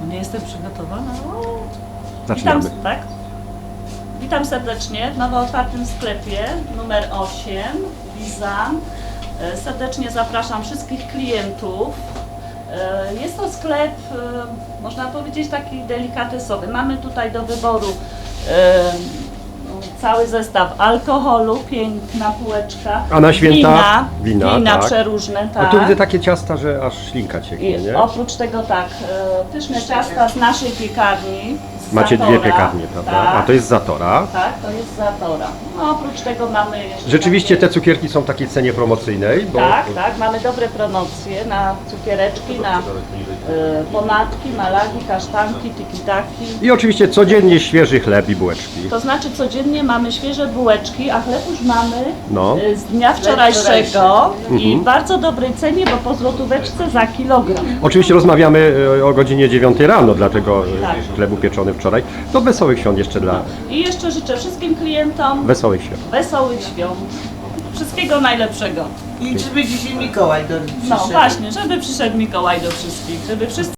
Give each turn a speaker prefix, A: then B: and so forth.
A: Nie jestem przygotowana.
B: Zaczynamy.
A: Witam, tak? Witam serdecznie w nowo otwartym sklepie numer 8 Bizan. Serdecznie zapraszam wszystkich klientów. Jest to sklep, można powiedzieć, taki delikatesowy. Mamy tutaj do wyboru cały zestaw alkoholu, piękna półeczka.
B: A na święta
A: wina
B: tak.
A: przeróżne,
B: A
A: tak.
B: tu widzę takie ciasta, że aż ślinka cieknie,
A: I
B: nie?
A: oprócz tego tak, pyszne ciasta z naszej piekarni. Z
B: Macie
A: Zatora.
B: dwie piekarnie, prawda?
A: Tak,
B: A to jest Zatora.
A: tak, to jest Zatora. No oprócz tego mamy jeszcze...
B: Rzeczywiście te
A: takie...
B: cukierki są w takiej cenie promocyjnej, bo
A: Tak, mamy dobre promocje na cukiereczki, na ponadki, malagi, kasztanki, tiki-taki.
B: i oczywiście codziennie świeży chleb i bułeczki.
A: To znaczy codziennie mamy świeże bułeczki, a chleb już mamy
B: No.
A: z dnia wczorajszego i w bardzo dobrej cenie, bo po złotóweczce za kilogram.
B: Oczywiście rozmawiamy o godzinie 9 rano, dlatego
A: Tak.
B: chleb upieczony wczoraj. To wesołych świąt jeszcze dla
A: I jeszcze życzę wszystkim klientom
B: wesołych świąt.
A: wesołych świąt. Wszystkiego najlepszego.
C: I żeby dzisiaj Mikołaj do
A: No właśnie, żeby przyszedł Mikołaj do wszystkich, żeby wszyscy